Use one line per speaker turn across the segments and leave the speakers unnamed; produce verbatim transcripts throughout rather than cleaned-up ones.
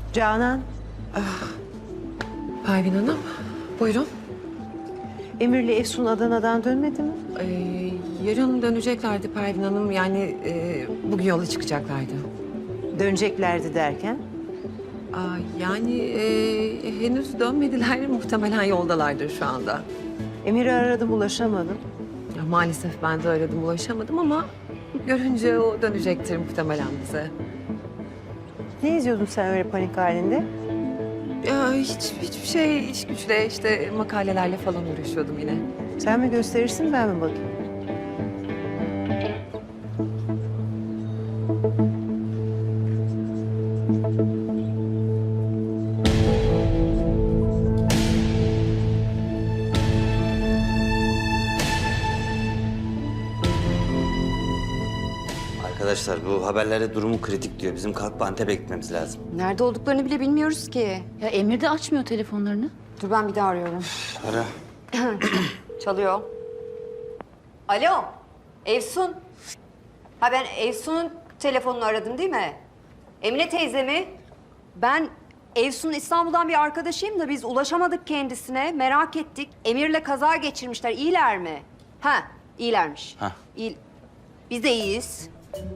Canan,
Pervin Hanım, buyurun.
Emir'le Efsun Adana'dan dönmedi mi?
Ee, yarın döneceklerdi Pervin Hanım. Yani e, bugün yola çıkacaklardı.
Döneceklerdi derken?
Aa, yani e, henüz dönmediler. Muhtemelen yoldalardır şu anda.
Emir'i aradım, ulaşamadım.
Ya, maalesef ben de aradım, ulaşamadım ama görünce o dönecektir muhtemelen bize.
Ne izliyordun sen öyle panik halinde?
Ya, hiç, hiçbir şey, iş güçle işte makalelerle falan uğraşıyordum yine.
Sen mi gösterirsin, ben mi bakayım?
Arkadaşlar bu haberlerde durumu kritik diyor. Bizim kalkıp Antep'e gitmemiz lazım.
Nerede olduklarını bile bilmiyoruz ki.
Ya Emir de açmıyor telefonlarını.
Dur ben bir daha arıyorum.
Ara.
Çalıyor. Alo, Efsun. Ha ben Efsun'un telefonunu aradım değil mi? Emine teyze mi? Ben Efsun'un İstanbul'dan bir arkadaşıyım da biz ulaşamadık kendisine. Merak ettik. Emir'le kaza geçirmişler. İyiler mi? Ha, iyilermiş.
Ha.
İyi. Biz de iyiyiz.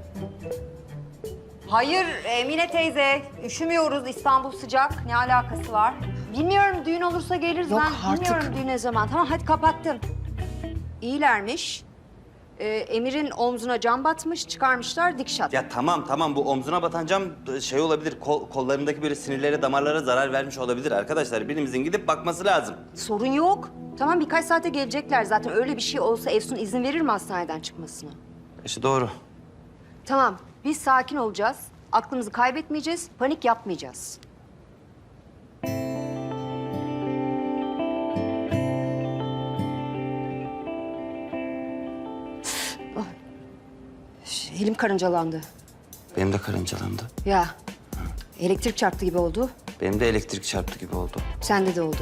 Hayır Emine teyze, üşümüyoruz. İstanbul sıcak. Ne alakası var? Bilmiyorum, düğün olursa geliriz.
Yok
ben
artık.
bilmiyorum düğün ne zaman. Tamam hadi kapattım. İyilermiş. Ee, Emir'in omzuna cam batmış, çıkarmışlar dikiş at.
Ya tamam tamam bu omzuna batan cam şey olabilir. Kol, kollarındaki böyle sinirlere, damarlara zarar vermiş olabilir arkadaşlar. Birimizin gidip bakması lazım.
Sorun yok. Tamam birkaç saate gelecekler zaten. Öyle bir şey olsa Efsun izin verir mi hastaneden çıkmasına?
İşte doğru.
Tamam, biz sakin olacağız. Aklımızı kaybetmeyeceğiz, panik yapmayacağız. Oh. Ş- Elim karıncalandı.
Benim de karıncalandı.
Ya, elektrik çarptı gibi oldu.
Benim de elektrik çarptı gibi oldu.
Sende de oldu.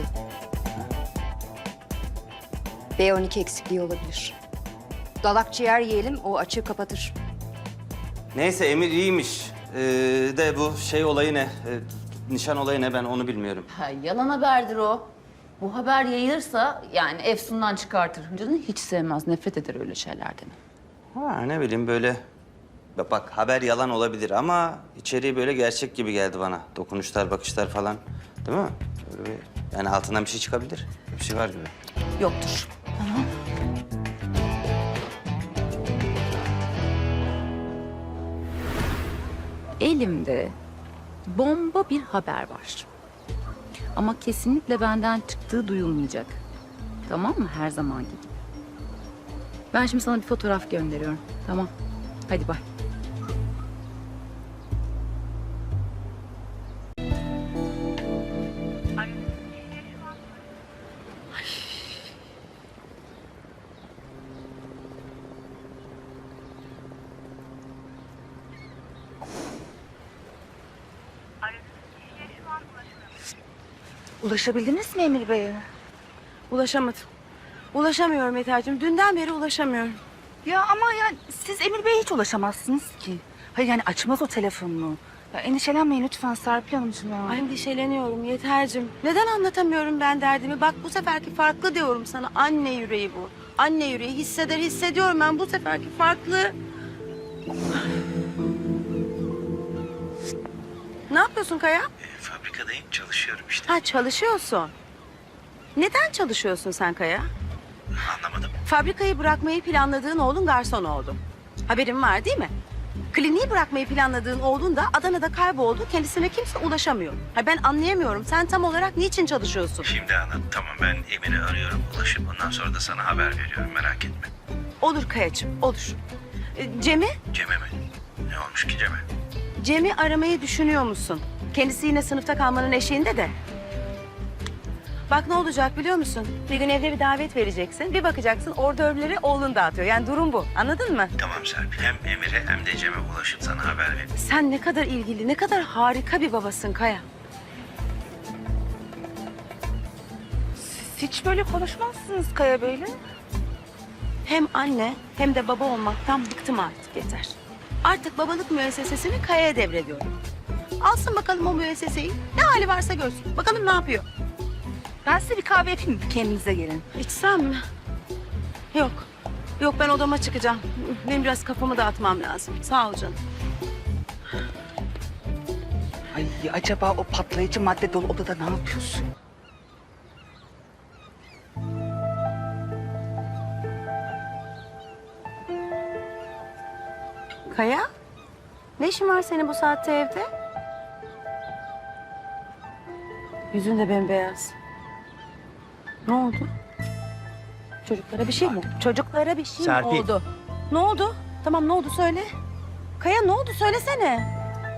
B on iki eksikliği olabilir. Dalak ciğer yiyelim, o açığı kapatır.
Neyse Emir iyiymiş. Ee, de bu şey olayı ne? Ee, nişan olayı ne ben onu bilmiyorum.
Ha, yalan haberdir o. Bu haber yayılırsa yani Efsun'dan çıkartır. Canını hiç sevmez, nefret eder öyle şeylerden.
Ha ne bileyim böyle. Bak, bak haber yalan olabilir ama içeriği böyle gerçek gibi geldi bana. Dokunuşlar, bakışlar falan. Değil mi? Böyle bir, yani altından bir şey çıkabilir. Bir şey var gibi.
Yoktur. Tamam. Elimde bomba bir haber var. Ama kesinlikle benden çıktığı duyulmayacak. Tamam mı? Her zaman gibi. Ben şimdi sana bir fotoğraf gönderiyorum. Tamam. Hadi bay.
Ulaşabildiniz mi Emir Bey'e? Ulaşamadım. Ulaşamıyorum Yeter'cim. Dünden beri ulaşamıyorum.
Ya ama yani siz Emir Bey'e hiç ulaşamazsınız ki. Hayır yani açmaz o telefonunu. Ya endişelenmeyin lütfen Serpil Hanımcığım ya.
Ay endişeleniyorum Yeter'cim. Neden anlatamıyorum ben derdimi? Bak bu seferki farklı diyorum sana. Anne yüreği bu. Anne yüreği hisseder hissediyorum ben bu seferki farklı. Ne yapıyorsun Kaya?
E, fabrikadayım, çalışıyorum işte.
Ha çalışıyorsun. Neden çalışıyorsun sen Kaya?
Anlamadım.
Fabrikayı bırakmayı planladığın oğlun garson oldu. Haberin var değil mi? Kliniği bırakmayı planladığın oğlun da Adana'da kayboldu. Kendisine kimse ulaşamıyor. Ha ben anlayamıyorum. Sen tam olarak niçin çalışıyorsun?
Şimdi anladım. Tamam ben Emir'i arıyorum. Ulaşıp ondan sonra da sana haber veriyorum. Merak etme.
Olur Kayacığım, olur. Ee, Cem'i,
Cem'e mi? Ne olmuş ki Cem'e?
Cem'i aramayı düşünüyor musun? Kendisi yine sınıfta kalmanın eşiğinde de. Bak ne olacak biliyor musun? Bir gün evde bir davet vereceksin. Bir bakacaksın ordörleri oğlun dağıtıyor. Yani durum bu. Anladın mı?
Tamam Serpil. Hem Emir'e hem de Cem'e ulaşıp sana haber vereyim.
Sen ne kadar ilgili, ne kadar harika bir babasın Kaya.
Siz hiç böyle konuşmazsınız Kaya Bey'le.
Hem anne hem de baba olmaktan bıktım artık yeter. Artık babalık müessesesini Kaya'ya devrediyorum. Alsın bakalım o müesseseyi. Ne hali varsa görsün. Bakalım ne yapıyor.
Ben size bir kahve yapayım mı? Kendinize gelin.
İçsem mi? Yok. Yok ben odama çıkacağım. Benim biraz kafamı dağıtmam lazım. Sağ ol canım.
Ay acaba o patlayıcı madde dolu odada ne yapıyorsun?
Kaya? Ne işin var senin bu saatte evde? Yüzün de bembeyaz. Ne oldu? Çocuklara bir şey mi oldu? Çocuklara bir şey
Serpil.
mi oldu? Ne oldu? Tamam ne oldu söyle. Kaya ne oldu söylesene.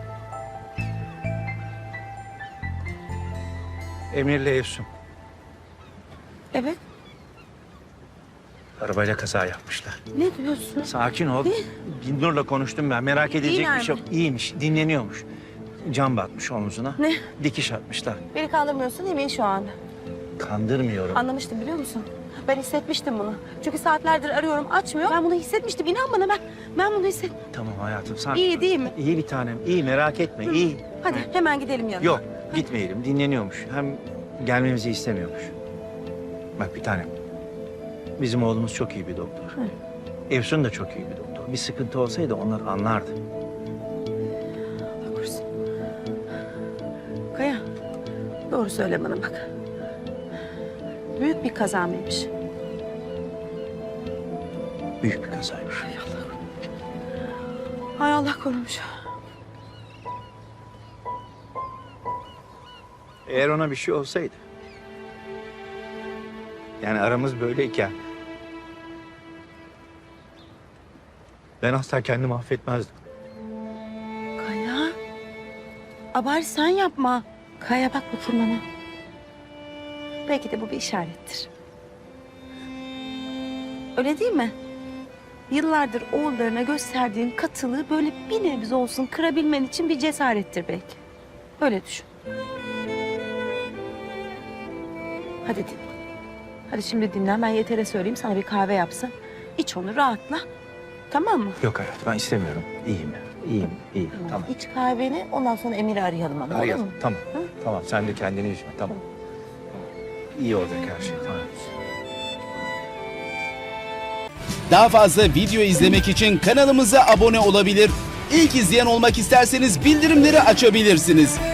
Emir'le Efsun
Evet.
arabayla kaza yapmışlar.
Ne diyorsun?
Sakin ol. Binur'la konuştum ben. Merak edilecek
İyiler
bir şey yok. İyiymiş, dinleniyormuş. Cam batmış omzuna.
Ne?
Dikiş atmışlar.
Beni kandırmıyorsun değil mi şu an?
Kandırmıyorum.
Anlamıştım biliyor musun? Ben hissetmiştim bunu. Çünkü saatlerdir arıyorum açmıyor. Ben bunu hissetmiştim. İnan bana ben ben bunu hisset.
Tamam hayatım sakin.
İyi değil mi?
İyi bir tanem. İyi merak etme. İyi.
Hadi hemen gidelim yanına.
Yok gitmeyelim. Dinleniyormuş. Hem gelmemizi istemiyormuş. Bak bir tanem. Bizim oğlumuz çok iyi bir doktor. Efsun da çok iyi bir doktor. Bir sıkıntı olsaydı onlar anlardı.
Allah korusun. Kaya, doğru söyle bana bak. Büyük bir kaza mıymış?
Büyük bir kazaymış.
Hay Allah korumuş.
Eğer ona bir şey olsaydı... Yani aramız böyleyken... Ben asla kendimi affetmezdim.
Kaya, abari sen yapma. Kaya bak bakayım bana. Belki de bu bir işarettir. Öyle değil mi? Yıllardır oğullarına gösterdiğin katılığı böyle bir nebze olsun kırabilmen için bir cesarettir belki. Öyle düşün. Hadi dinle. Hadi şimdi dinlen. Ben Yeter'e söyleyeyim sana bir kahve yapsın. İç onu rahatla. Tamam mı?
Yok hayat ben istemiyorum. İyiyim. İyiyim. İyiyim. Tamam.
İç kahveni ondan sonra Emir'i arayalım ama olur
Arayalım.
mu?
Tamam. Tamam sen de kendini üzme. Tamam. İyi olacak her şey. Tamam.
Daha fazla video izlemek için kanalımıza abone olabilir. İlk izleyen olmak isterseniz bildirimleri açabilirsiniz.